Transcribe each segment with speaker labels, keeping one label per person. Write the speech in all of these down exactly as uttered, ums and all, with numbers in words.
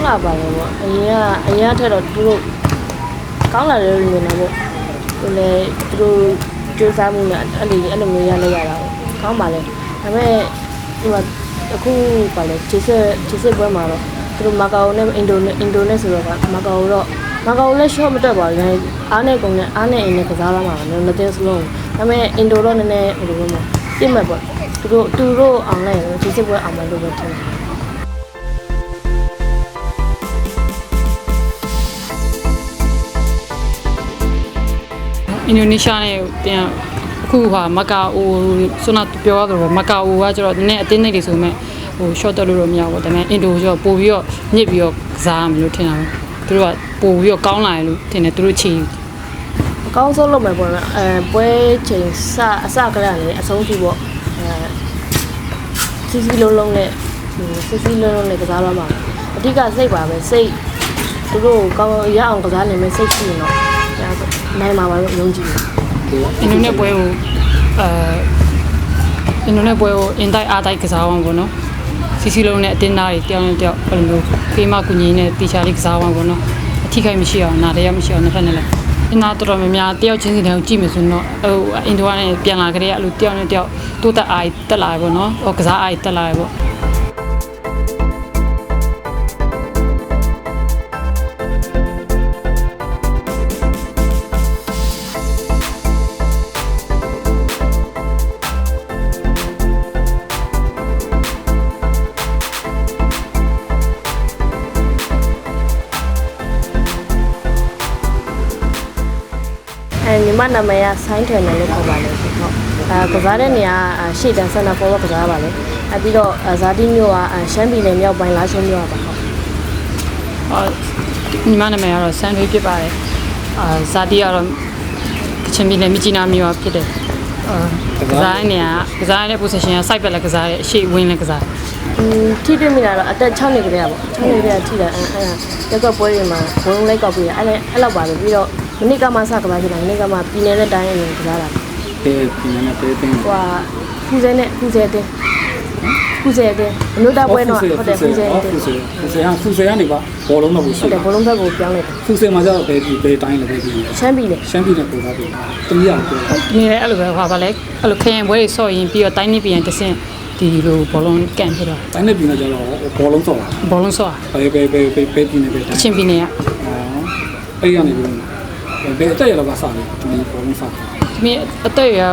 Speaker 1: လာပါလေပေါ့အရင်ကအရင်ကထက်တော့သူတို့ကောင်းလာတယ်လို့မြင်တာပေါ့သူလည်းသူတို့ကြိုးစားမှုနဲ့အဲ့လိုအဲ့လိုမျိုးရလိုက်ရတာပေါ့ကောင်းပါလေဒါပေမဲ့ဒီမှာအခုပါလေခြေဆက်ခြေဆက်ပွဲမှာတော့သူတို့မာကာအိုနဲ့အင်ဒိုနဲ့အင်ဒိုနဲ့ဆိုတော့မာကာအိုတော့မာကာအိုလည်း short မတက်ပါဘူးအားနဲ့ကုန်နဲ့အားနဲ့အင်းနဲ့ကစားလာမှာပဲနှစ်သင်းစလုံးဒါပေမဲ့အင်ဒိုတော့နည်းနည်းဟိုလိုမျိုးပြစ်မှတ်ပေါ့သူတို့သူတို့အောင်လိုက်ရင်ခြေဆက်ပွဲအောင်မယ်လို့ပဲထင်တယ်
Speaker 2: အင်ဒိုနီးရှားနဲ့ပြန်အခုဟာမကာအိုဆိုတော့ပြောရတော့မကာအိုကကျတော့နည်းနည်းအတင်းနေတွေဆိုမဲ့ဟို short တက်လို့တော့မရဘူးဒါပေမဲ့အင်ဒိုကျတော့ပို့ပြီးတော့ညစ်ပြီးတော့ကစားရမယ်လို့ထင်တာပဲသူတို့ကပို့ပြီးတော့ကောင်းလာတယ်လို့ထင်တယ်သူတို့ချီ
Speaker 1: အကောင်းဆုံးလုပ်မယ်ပေါ့နော်အဲပွဲချိန်စအစကတည်းကနေအဆုံးထိပေါ့အဲစီစီလုံးလုံးနဲ့စီစီလုံးလုံးနဲ့ကစားလာမှာအဓိကစိတ်ပါပဲစိတ်သူတို့ကောင်းရအောင်ကစားနိုင်မယ်စိတ်ရှိရင်တော့နိုင်မှာပါလို့ယုံကြည်တယ်
Speaker 2: အင်ဒိုနဲ့ပွဲကိုအဲအင်ဒိုနဲ့ပွဲကိုအင်တိုက်အားတိုက်ကစားအောင်ပေါ့နော်စီစီလုံးနဲ့အတင်းသားတွေတယောက်နဲ့တယောက်ဘယ်လိုမျိုးဖေးမကူညီနဲ့တီချာလေးကစားအောင်ပေါ့နော်အထီးခိုက်မရှိအောင်နားတရားမရှိအောင်နှစ်ဖက်နဲ့လည်းအင်သားတော်တော်များများတယောက်ချင်းစီတိုင်းကြည့်မယ်ဆိုတော့ဟိုအင်ဒိုကနေပြန်လာကြတဲ့အဲ့လိုတယောက်နဲ့တယောက်တိုးတက်အားတက်လာပေါ့နော်ဟိုကစားအားတက်လာပေါ့
Speaker 1: အဲညီမနာမည်ကဆိုင်းထွယ်နယ်လို့ခေါ်ပါလေဟုတ်အဲကစားတဲ့နေရာရှေ့တန်းဆန်နာပေါ်ကစားပါလေအဲပြီးတော့ဇာတိမျိုးကရှမ်းပြည်နယ်မြောက်ပိုင်းလားရှုံးမျိုးပါဟုတ်
Speaker 2: အာညီမနာမည်ကတော့ဆန်ထွေးဖြစ်ပါတယ်အာဇာတိကတော့ကချင်ပြည်နယ်မြကြီးနားမြို့ဖြစ်တယ်အာကစားတဲ့နေရာကစားတဲ့ position က site ဘက်လည်းကစားတယ်အရှိဝင်းလည်းကစား
Speaker 1: อืมထိတွေ့မိတာတော့အသက်6နှစ်ကလေးอ่ะပေါ့6နှစ်ကလေးထိတာအဲအဲရက်ကပွဲတွေမှာဘုံလိုက်ကောက်ပြီးအဲ့အဲ့လောက်ပါပဲပြီးတော့မနစ်ကမှစကစားကြတာမနစ်ကမှပြည်နယ်နဲ့တိုင်းအနေနဲ့ကစားတာ
Speaker 3: တေးပြည်နယ်နဲ့တေးတင်း
Speaker 1: ဟိုဟာဖူးစဲနဲ့ဖူးစဲတင်းဖူးစဲတင်းအလို့တာပွဲတော့ဟုတ်တယ်ဖူးစဲတင်း
Speaker 3: ဖူးစဲဖူးစဲဟာဖူးစဲကနေပါဘောလုံးတော့ကိုရှိ
Speaker 1: တယ်ဘောလုံးဘက်ကိုပြောင်းလိုက်တယ်
Speaker 3: ဖူးစဲမှာကျတော့ဘယ်ဘယ်တိုင်းလဲဘယ်ပြည်
Speaker 1: ရှမ်းပြည်နယ်
Speaker 3: ရှမ်းပြည်နယ်ပို့ထားပြီတမီးအောင်ပြော
Speaker 2: နေတယ်အဲ့လိုပဲဟောပါလေအဲ့လိုခရင်ပွဲတွေဆော့ရင်ပြီးတော့တိုင်းနေပြန်တဆင့်ဒီလိုဘောလုံးကန်ဖြစ်တော့
Speaker 3: တိုင်းနေပြည်နယ်ကျတော့ဘောလုံးဆော့တာ
Speaker 2: ဘောလုံးဆော့
Speaker 3: ဘယ်ဘယ်ဘယ်ဘယ်ပြည်နယ်ဘယ်တိုင်း
Speaker 2: အချင်းပြည်နယ်က
Speaker 3: အော်အဲ့ရနေပြီဘယ်အတက်ရတော့စားတယ်ဒီဘောလုံးစား
Speaker 2: ဒီမအတက်ရ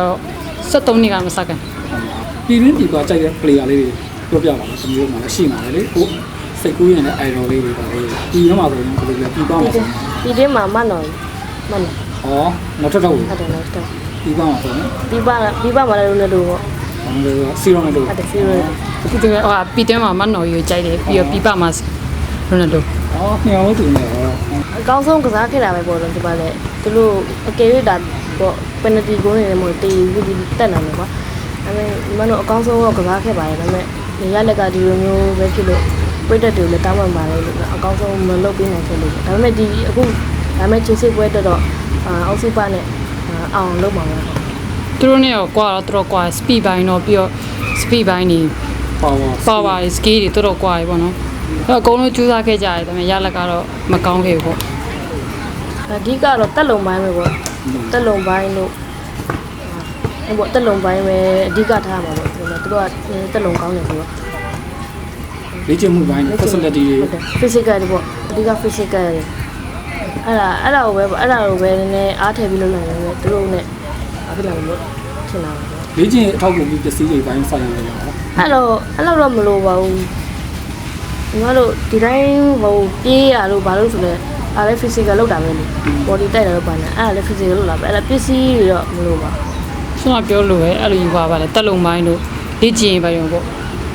Speaker 2: 73နှစ်ကမစကန်
Speaker 3: ပြည်ရင်းပြည်သွားကြိုက်တဲ့ player လေးတွေပြောပြပါမယ်ဒီလိုမှလည်းရှိမှာလေဟိုစိတ်ကူးရင်လည်း idol လေးတွေပါလေဒီမှာဆိုရင်ဘယ်လိုလဲပြည်ပါမှာ
Speaker 1: ပြည်တင်းမှာမနော်မနော်
Speaker 3: ဟောနောက်ထပ်တော့
Speaker 1: ဟုတ်တယ်နောက်ထပ်
Speaker 3: ပြည်ပါမှာဆိုရင်
Speaker 1: ပြည်ပါပြည်ပါမှာလည်းလို့လို့ပေါ့
Speaker 3: စီရိုနယ်ဒို
Speaker 1: ဟုတ်တယ်စီရို
Speaker 2: ဒီကဟိုပြည်တင်းမှာမနော်ကြီးကြိုက်တယ်ပြီးတော့ပြည်ပါမှာရိုနယ်ဒို
Speaker 3: အော်ညောင်းသူနေဟော
Speaker 1: အကောင်းဆုံးကစားခဲ့တာပဲပေါ့တော့ဒီပါလေသူတို့အကယ်၍ဒါပေါ့ပယ်နတီဂိုးနေတယ်မို့တေးပြီးတက်နေတယ်ကွာဒါပေမဲ့ဒီမှာတော့အကောင်းဆုံးတော့ကစားခဲ့ပါတယ်ဒါပေမဲ့နေရလက်ကဒီလိုမျိုးပဲဖြစ်လို့ပြည့်တက်တယ်လည်းတောင်းပန်ပါလေလို့အကောင်းဆုံးမလုပ်ပေးနိုင်ခဲ့လို့ဒါပေမဲ့ဒီအခုဒါပေမဲ့ချစ်စစ်ပွဲတက်တော့အောက်စုပနဲ့အောင်လုပ်ပါမယ်
Speaker 2: သူတို့နဲ့တော့ကွာတော့သူတို့ကွာ speed ဘိုင်းတော့ပြီးတော့ speed ဘိုင်းနေ
Speaker 3: power
Speaker 2: power skill တွေတော်တော်ကွာပြီပေါ့နော်အဲ့အကုန်လုံးကြိုးစားခဲ့ကြတယ်ဒါပေမဲ့ရလက်ကတော့မကောင်းခဲ့ဘူးပေါ့
Speaker 1: အဓိကတော့တက်လုံပိုင်းပဲပေါ့တက်လုံပိုင်းလို့ဟိုပေါ့တက်လုံပိုင်းပဲအဓိကထားမှာပေါ့သူတို့ကတက်လုံကောင်းတယ်ဆိုတော့
Speaker 3: လေ့ကျင့်မှုပိုင်း facility တွေ
Speaker 1: physical တွေပေါ့အဓိက physical တွေအဲ့ဒါအဲ့ဒါကိုပဲအဲ့ဒါကိုပဲနည်းနည်းအားထည့်ပြီးလုပ်နိုင်တယ်သူတို့နဲ့အခုလာလို့ထင်တာပါ
Speaker 3: လေ့ကျင့်အထောက်အကူပစ္စည်းတွေပိုင်းဆိုင်ရရအောင်
Speaker 1: အဲ့တော့အဲ့တော့တော့မလိုပါဘူးညီမတို့ဒီတိုင်းဟိုပြေးရလို့ဘာလို့ဆိုလဲအဲ့ဒါ physical လောက်တာပဲလေ body တိုက်တာတော့ပါနေအဲ့ဒါလည်း physical လောက်လာပဲအဲ့ဒါပစ္စည်းတွေတော့မလိုပါ
Speaker 2: ဆိုတော့ပြောလို့ပဲအဲ့လိုယူပါပါလေတက်လုံပိုင်းတို့လေ့ကျင့်ပါရုံပေါ့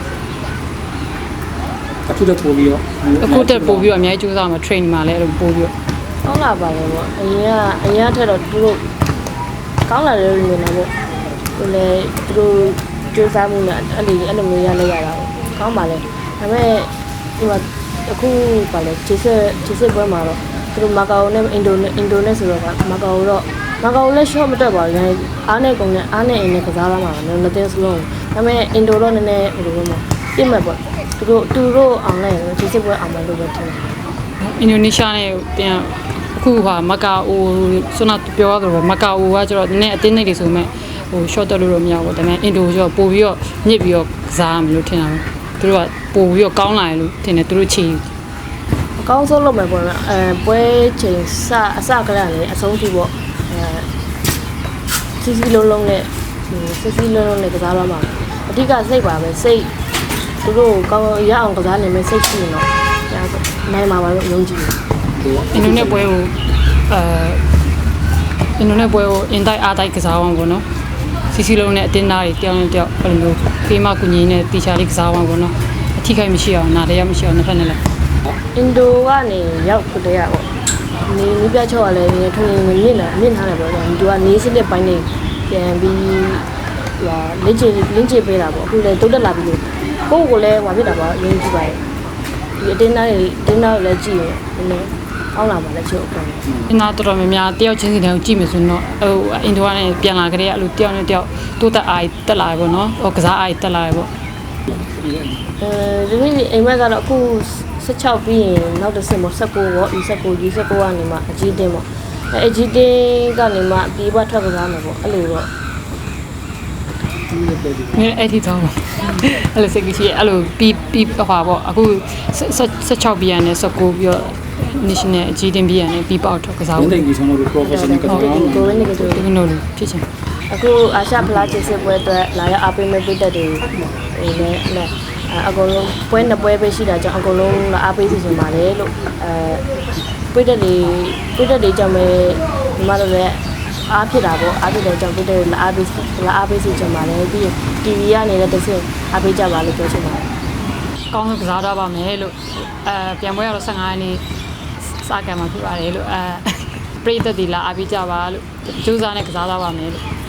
Speaker 3: အခုတက်ပို့ပြီးတော့
Speaker 2: အခုတက်ပို့ပြီးတော့အများကြီးကြိုးစားမှာ train မှာလည်းအဲ့လိုပို့ပြီးတော့
Speaker 1: ကောင်းလာပါလေပေါ့အရင်ကအရင်ကထက်တော့သူတို့ကောင်းလာတယ်လို့မြင်တာပေါ့သူလည်းသူတို့ကြိုးစားမှုနဲ့အဲ့လိုအဲ့လိုမျိုးရလိုက်ရတာကောင်းပါလေဒါပေမဲ့ဒီမှာအခုပါလေခြေဆက်ခြေဆက်ပွဲမှာတော့သူတို့မာကာအိုနဲ့အင်ဒိုနဲ့အင်ဒိုနဲ့ဆိုတော့မာကာအိုတော့မာကာအိုလည်း short မတက်ပါဘူးအားနဲ့ကုန်နဲ့အားနဲ့အင်းနဲ့ကစားလာမှာပဲနှစ်သင်းစလုံးဒါပေမဲ့အင်ဒိုတော့နည်းနည်းဟိုလိုမျိုးပြစ်မှတ်ပေါ့သူတို့သူတို့အောင်လိုက်ရင်ဒီစစ်ပွဲအောင်မယ်လို့ပဲထင်တယ်
Speaker 2: အင်ဒိုနီးရှားနဲ့တင်အခုဟာမကာအိုဆွမ်းပြောရတော့မကာအိုကကျတော့နည်းအတင်းနေတွေဆိုမဲ့ဟို short တက်လို့တော့မရဘူးဒါပေမဲ့အင်ဒိုကျတော့ပို့ပြီးတော့ညစ်ပြီးတော့ကစားရမယ်လို့ထင်တာပဲသူတို့ကပို့ပြီးတော့ကောင်းလာတယ်လို့ထင်တယ်သူတို့ချီ
Speaker 1: အကောင်းဆုံးလုပ်မယ်ပေါ့နော်အဲပွဲချိန်စအစကလည်းလေအဆုံးထိပေါ့အဲစီစီလုံးလုံးနဲ့စီစီလုံးလုံးနဲ့ကစားရမှာအဓိကစိတ်ပါပဲစိတ်သူတို့ကောင်းရအောင်ကစားနိုင်မယ်စိတ်ရှိရင်တော့နိုင်မှာပါလို့ယုံကြည်တယ်
Speaker 2: အင်ဒိုနဲ့ပွဲကိုအဲအင်ဒိုနဲ့ပွဲကိုအင်တိုက်အားတိုက်ကစားအောင်ပေါ့နော်စီစီလုံးနဲ့အတင်းသားတွေတယောက်နဲ့တယောက်ဘယ်လိုမျိုးဖေးမကူညီနဲ့တီချာလေးကစားအောင်ပေါ့နော်အထိခိုက်မရှိအောင်နားလည်းမရှိအောင်နှစ်ဖက်နဲ့လည်း
Speaker 1: အင်ဒိုကနေရောက်ခတဲ့ရပေါ့နေမိပြချော့ကလည်းနေထုံနေမြင့်လာမြင့်ထားတယ်ပေါ့အင်ဒိုကနေစနစ်ပိုင်းနေပြန်ပြီးဟိုလင်းချလင်းချပေးတာပေါ့အခုလည်းတုတ်တက်လာပြီလို့ကိုယ့်ကိုလည်းဟိုဖြစ်တာပေါ့ယုံကြည်ပါတယ်ဒီအတင်းသားတွေအတင်းသားတွေလည်းကြည့်ရင်နည်းကောင်းလာပါလေချို့ပေါ့
Speaker 2: အင်သားတော်တော်များများတယောက်ချင်းစီတည်းကိုကြည့်မယ်ဆိုရင်တော့ဟိုအင်ဒိုကနေပြန်လာကြတဲ့အဲ့လိုတယောက်နဲ့တယောက်တိုးတက်အားတက်လာတယ်ပေါ့နော်ဟိုကစားအားတက်လာတယ်ပေါ့
Speaker 1: အဲဒီနေ့အိမ်မက်ကတော့အခုสิบหกပြီးရင်နောက်တစ်ဆင့်ပေါ့สิบหกပေါ့ E สิบหก G สิบหกကနေမှအကြီးတင်းပေါ့အဲအကြီးတင်းကနေမှပြေးပွားထွက်ကစားမယ်ပေါ့အဲ့လိုတော့
Speaker 2: မင်းအဲ့ဒီတော့အဲ့လိုစိတ်ကြီးအဲ့လိုပြီးပြီးဟွာပေါ့အခုสิบหกပြီးရနဲ့สิบ九ပြီးတော့ national အကြီးတင်းပြီးရနဲ့ပြီးပေါက်တော့ကစား
Speaker 3: ဝ
Speaker 2: ဖို့
Speaker 3: င်းတိတ်ကြီးဆုံးလို့ professional ကစားအောင်
Speaker 1: ကိုဝင်းနေကြတယ်
Speaker 2: ဒီလိုလိုဖြစ်ချင်
Speaker 1: အခုအာရှဖလားချစ်စစ်ပွဲအတွက်လာရအားပေးမဲ့ပြည်သက်တွေဟိုလည်းအဲ့အကုန်လုံးပွဲနှစ်ပွဲပဲရှိတာကြောင့်အကုန်လုံးလာအားပေးစီစဉ်ပါတယ်လို့အဲပြည်သက်တွေပြည်သက်တွေကြောင့်ပဲဒီမှာတော့လည်းအားဖြစ်တာပေါ့အားဖြစ်တဲ့ကြောင့်ပြည်သက်တွေလာအားပေးလာအားပေးစီစဉ်ပါတယ်ပြီးရင် တီဗီ ကနေလည်းတစ်ဆင့်အားပေးကြပါလို့ပြောချင်ပါတယ်
Speaker 2: ကောင်းဆုံးကစားတော့ပါမယ်လို့အဲပြန်ပွဲရတော့15ရက်နေ့စကံမှာဖြစ်ပါတယ်လို့အဲပရိသတ်ဒီလာအားပေးကြပါလို့ကြိုးစားနဲ့ကစားတော့ပါမယ်လို့